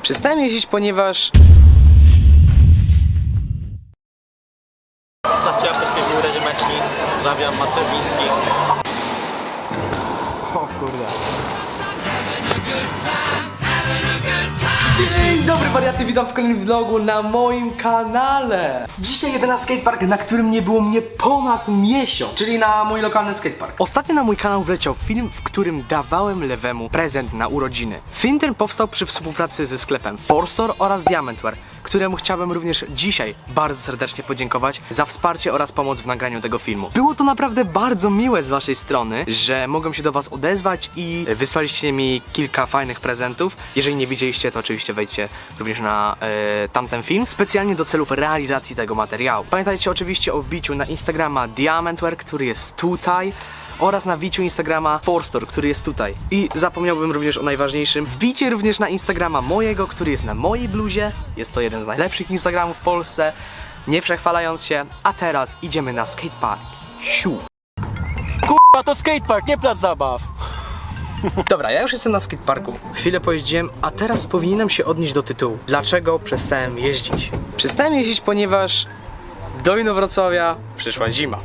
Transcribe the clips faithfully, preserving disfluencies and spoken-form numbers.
Przestałem jeździć, ponieważ... Zostawcie apteczkę w górę ziemeczki. Pozdrawiam, Maczewiński. O kurde. Dzień dobry wariaty, witam w kolejnym vlogu na moim kanale. Dzisiaj jedę na skatepark, na którym nie było mnie ponad miesiąc, czyli na mój lokalny skatepark. Ostatnio na mój kanał wleciał film, w którym dawałem lewemu prezent na urodziny. Film ten powstał przy współpracy ze sklepem Four Store oraz Diamantware, któremu chciałbym również dzisiaj bardzo serdecznie podziękować za wsparcie oraz pomoc w nagraniu tego filmu. Było to naprawdę bardzo miłe z waszej strony, że mogłem się do was odezwać i wysłaliście mi kilka fajnych prezentów. Jeżeli nie widzieliście, to oczywiście wejdźcie również na e, tamten film, specjalnie do celów realizacji tego materiału. Pamiętajcie oczywiście o wbiciu na Instagrama Diamantware, który jest tutaj, oraz na wbiciu Instagrama Four Store, który jest tutaj. I zapomniałbym również o najważniejszym. Wbijcie również na Instagrama mojego, który jest na mojej bluzie. Jest to jeden z najlepszych Instagramów w Polsce, nie przechwalając się. A teraz idziemy na skatepark. Siu! Kurwa, to skatepark, nie plac zabaw. Dobra, ja już jestem na skateparku. Chwilę pojeździłem, a teraz powinienem się odnieść do tytułu. Dlaczego przestałem jeździć? Przestałem jeździć, ponieważ do Inowrocławia przyszła zima.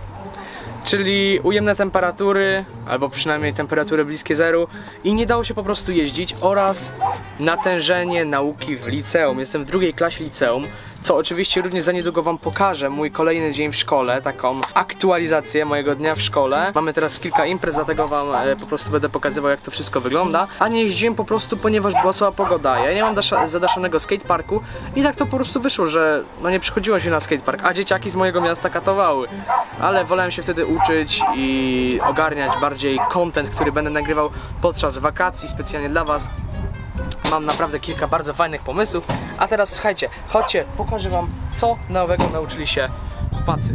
Czyli ujemne temperatury, albo przynajmniej temperatury bliskie zeru i nie dało się po prostu jeździć, oraz natężenie nauki w liceum. Jestem w drugiej klasie liceum, co oczywiście również za niedługo wam pokażę mój kolejny dzień w szkole, taką aktualizację mojego dnia w szkole. Mamy teraz kilka imprez, dlatego wam e, po prostu będę pokazywał, jak to wszystko wygląda. A nie jeździłem po prostu, ponieważ była słaba pogoda. Ja nie mam zadaszonego skateparku i tak to po prostu wyszło, że no nie przychodziło się na skatepark, a dzieciaki z mojego miasta katowały. Ale wolałem się wtedy uczyć i ogarniać bardziej content, który będę nagrywał podczas wakacji specjalnie dla was. Mam naprawdę kilka bardzo fajnych pomysłów. A teraz słuchajcie, chodźcie, pokażę wam, co nowego nauczyli się chłopacy.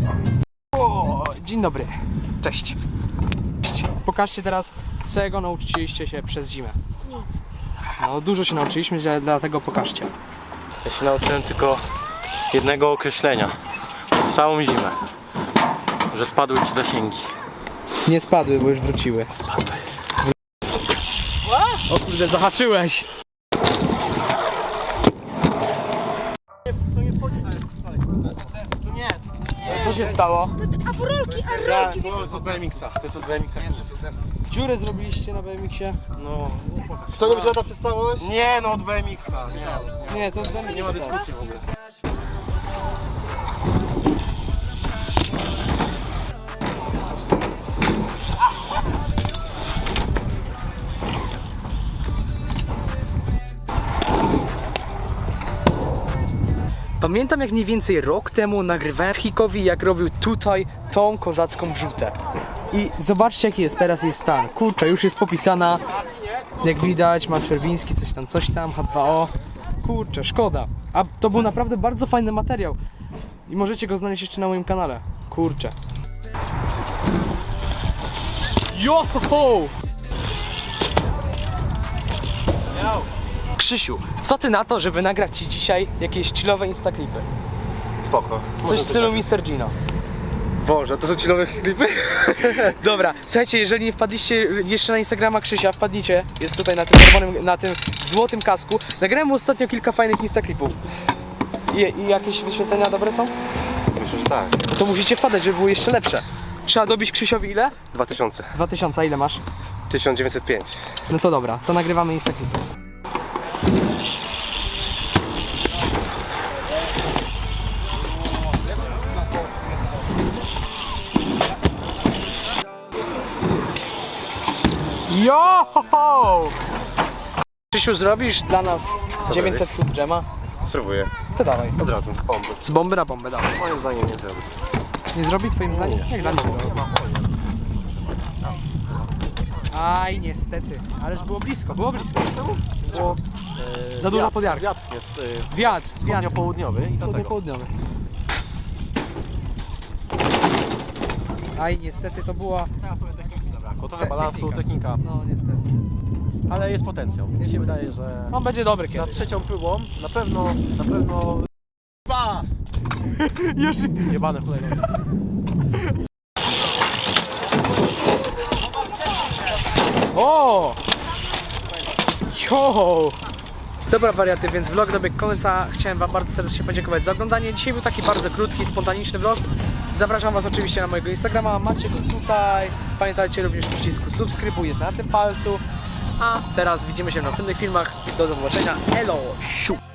O, dzień dobry, cześć. Pokażcie teraz, czego nauczyliście się przez zimę. Nic. No dużo się nauczyliśmy, dlatego pokażcie. Ja się nauczyłem tylko jednego określenia. Przez całą zimę. Że spadły ci zasięgi. Nie spadły, bo już wróciły. Spadły. O kurde, zahaczyłeś. To nie wchodzi na To nie. Co się stało? A burolki, a Ja, rolki. to jest od B M X-a. To jest od B M X-a. Dziurę zrobiliście na B M X-ie? No. To nie wygląda przez całość? Nie, no od B M X-a. Nie, Nie, to z B M X. nie ma dyskusji w ogóle. Pamiętam, jak mniej więcej rok temu nagrywałem Hikowi, jak robił tutaj tą kozacką wrzutę. I zobaczcie, jaki jest teraz jej stan. Kurczę, już jest popisana. Jak widać, ma Czerwiński, coś tam, coś tam, H dwa O. Kurczę, szkoda. A to był naprawdę bardzo fajny materiał. I możecie go znaleźć jeszcze na moim kanale. Kurczę. Joho! Krzysiu, co ty na to, żeby nagrać ci dzisiaj jakieś chillowe instaklipy? Spoko. Coś w stylu mister Gino. Boże, to są ci nowe klipy? Dobra, słuchajcie, jeżeli nie wpadliście jeszcze na Instagrama Krzysia, wpadnijcie. Jest tutaj na tym czerwonym, na tym złotym kasku. Nagrałem mu ostatnio kilka fajnych instaklipów. I, I jakieś wyświetlenia dobre są? Myślę, że tak. No to musicie wpadać, żeby były jeszcze lepsze. Trzeba dobić Krzysiowi ile? dwa tysiące. dwa tysiące, a ile masz? tysiąc dziewięćset pięć. No to dobra, to nagrywamy instaklipy. Joho! Krzysiu, zrobisz dla nas dziewięćset foot dżema? Spróbuję. To dawaj. Od razu. Bomby. Z bomby na bombę, dawaj. Moim zdaniem nie zrobię. Nie zrobi twoim zdaniem? Jak dla mnie zrobi. Aj, niestety. Ależ było blisko, było blisko. Było za dużo podjarki. Wiatr jest y, Wiatr, wiatr. południowy i dlatego. Południowy. Aj, niestety to była... Teraz sobie techniki zabrakło. Trochę Te- balansu, technika. technika. No, niestety. Ale jest potencjał. Mnie się wydaje, że On będzie dobry za kiedyś. trzecią próbą na pewno, na pewno Już... jebane cholera. O! Jo! Dobra wariaty, więc vlog dobiegł końca. Chciałem wam bardzo serdecznie podziękować za oglądanie. Dzisiaj był taki bardzo krótki, spontaniczny vlog. Zapraszam was oczywiście na mojego Instagrama, macie go tutaj. Pamiętajcie również o przycisku subskrybuj, jest na tym palcu. A teraz widzimy się w następnych filmach. Do zobaczenia. Elo! Siu!